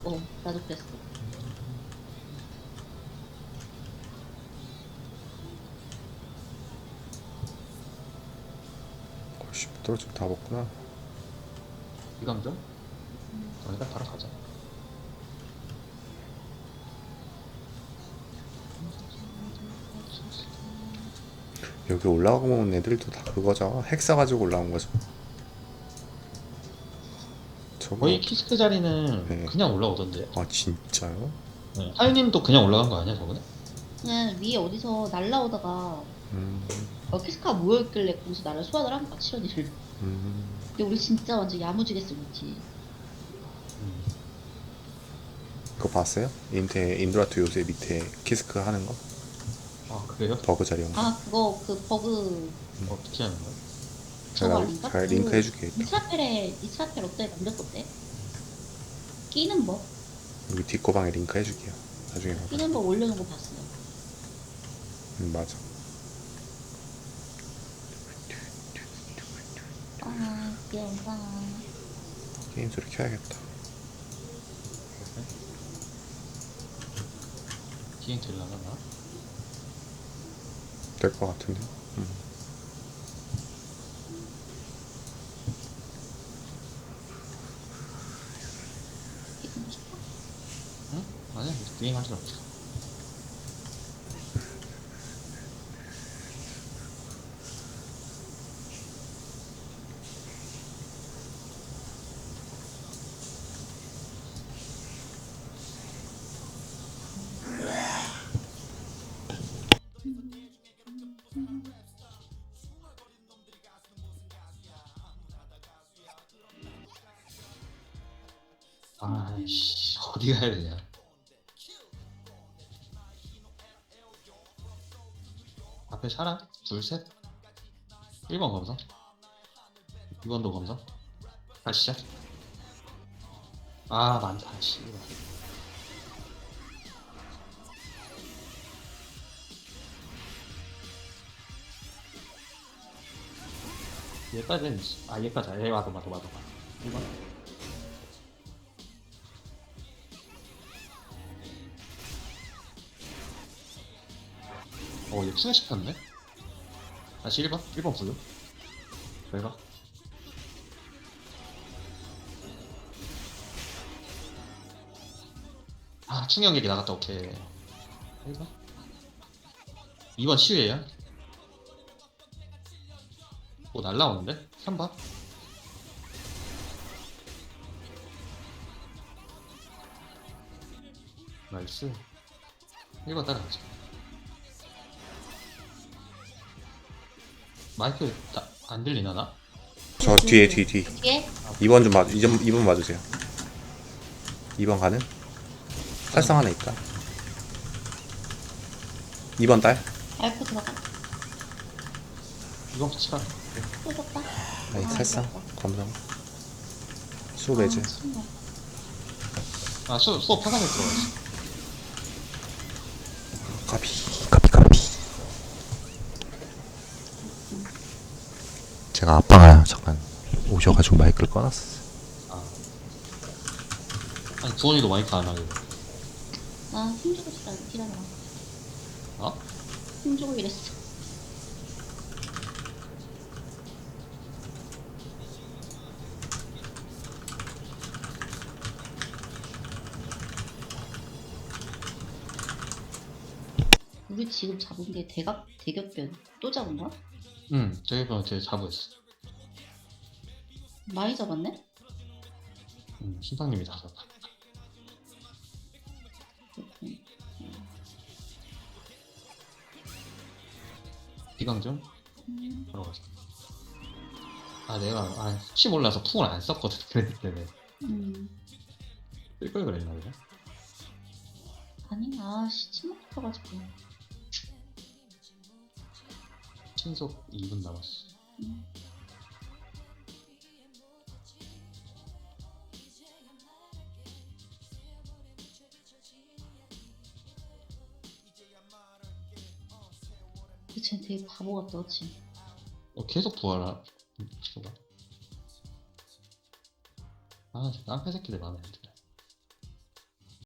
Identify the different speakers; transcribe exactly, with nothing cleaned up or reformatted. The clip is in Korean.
Speaker 1: 어, 나도 그랬어.
Speaker 2: 골씨 떨어지고 다 먹구나.
Speaker 3: 이감정? 저희가 바로 가자.
Speaker 2: 여기 올라가고 온 애들도 다 그거죠. 핵 사가지고 올라온 거죠. 저거
Speaker 3: 거의 키스크 자리는
Speaker 2: 네.
Speaker 3: 그냥 올라오던데.
Speaker 2: 아 진짜요?
Speaker 3: 네. 하윤님도 그냥 올라간 거 아니야 저번에?
Speaker 1: 그냥 위에 어디서 날라오다가
Speaker 2: 음,
Speaker 1: 어키스카 모여있길래 거기서 나를 소환을 한 거야, 치러니를.
Speaker 2: 음.
Speaker 1: 근데 우리 진짜 완전 야무지게 쓰고있지.
Speaker 3: 음.
Speaker 2: 그거 봤어요? 인테 인드라트 요새 밑에 키스크 하는 거?
Speaker 3: 아 그래요?
Speaker 2: 버그 자리 온 거.
Speaker 1: 아, 그거, 그 버그,
Speaker 3: 어떻게 하는 거야?
Speaker 1: 저거
Speaker 2: 제가
Speaker 1: 아닌가?
Speaker 2: 잘 링크 해줄게. 이따.
Speaker 1: 이스라펠에, 이스라펠 어때? 만졌었대? 끼는 법?
Speaker 2: 여기 뒷거방에 링크 해줄게요. 나중에 봐봐.
Speaker 1: 끼는 법 올려놓은 거 봤어요.
Speaker 2: 음, 맞아.
Speaker 1: 아, 귀여운다.
Speaker 2: 게임 소리 켜야겠다.
Speaker 3: 기행 될 나가나?
Speaker 2: 될 것 같은데. 음.
Speaker 1: 끼고 싶어?
Speaker 3: 응? 아니야 기행 할 줄 없어. 아이씨 어디 가야 되냐? 앞에 사람? 둘 셋? 일 번 검사? 이 번도 검사? 가시죠. 아 많다 씨. 얘까지는 아 얘까지 얘 와도 와도 와도 일 번. 어얘 추가시켰네? 다시 일 번? 일 번 블루? 왜 가? 아 충격 얘기 나갔다 오케이 일 번? 이 번 치유예요? 뭐 날라오는데? 삼 번? 나이스 일 번 따라가자. 마이크 다, 안 들리나 나?
Speaker 2: 저 뒤에 뒤 뒤.
Speaker 1: 뒤에?
Speaker 2: 이 번 좀 맞. 이 번 이 번 맞으세요. 이 번 가는? 살상 하나 있다. 이 번 딸.
Speaker 1: 알고 들어가.
Speaker 3: 이번 치가
Speaker 1: 뜯었다.
Speaker 2: 아니
Speaker 1: 아,
Speaker 2: 살상.
Speaker 1: 들어갔다.
Speaker 2: 검정. 수레즈.
Speaker 1: 아, 신나.
Speaker 3: 아 수, 수업 화상에 들어가있어.
Speaker 2: 카피 카피 카피. 제가 아빠가 잠깐 오셔가지고 마이크를 꺼놨었어요.
Speaker 3: 아 아니 두원이도 마이크 안 하길래
Speaker 1: 아, 힘주고 싶다. 기다려.
Speaker 3: 어?
Speaker 1: 힘주고 이랬어. 우리 지금 잡은 게 대각, 대격변 또 잡은 거야?
Speaker 3: 응 저기서 제 자부했어.
Speaker 1: 많이 잡았네?
Speaker 3: 응 신상님이 다 잡아. 비강정?
Speaker 1: 음,
Speaker 3: 들어가자. 아 내가 아 혹시 몰라서 풍을 안 썼거든. 그랬기 때문에
Speaker 1: 음.
Speaker 3: 쓸걸 그랬나 그래?
Speaker 1: 아니, 아, 씨, 침묵 붙어가지고.
Speaker 3: 신속 이 분 남았어.
Speaker 1: 음. 근데 쟤 되게 바보 같다, 그치?
Speaker 3: 어 계속 부활하. 음, 뭐가? 아, 저 깡패 새끼들 마음에 안 들어.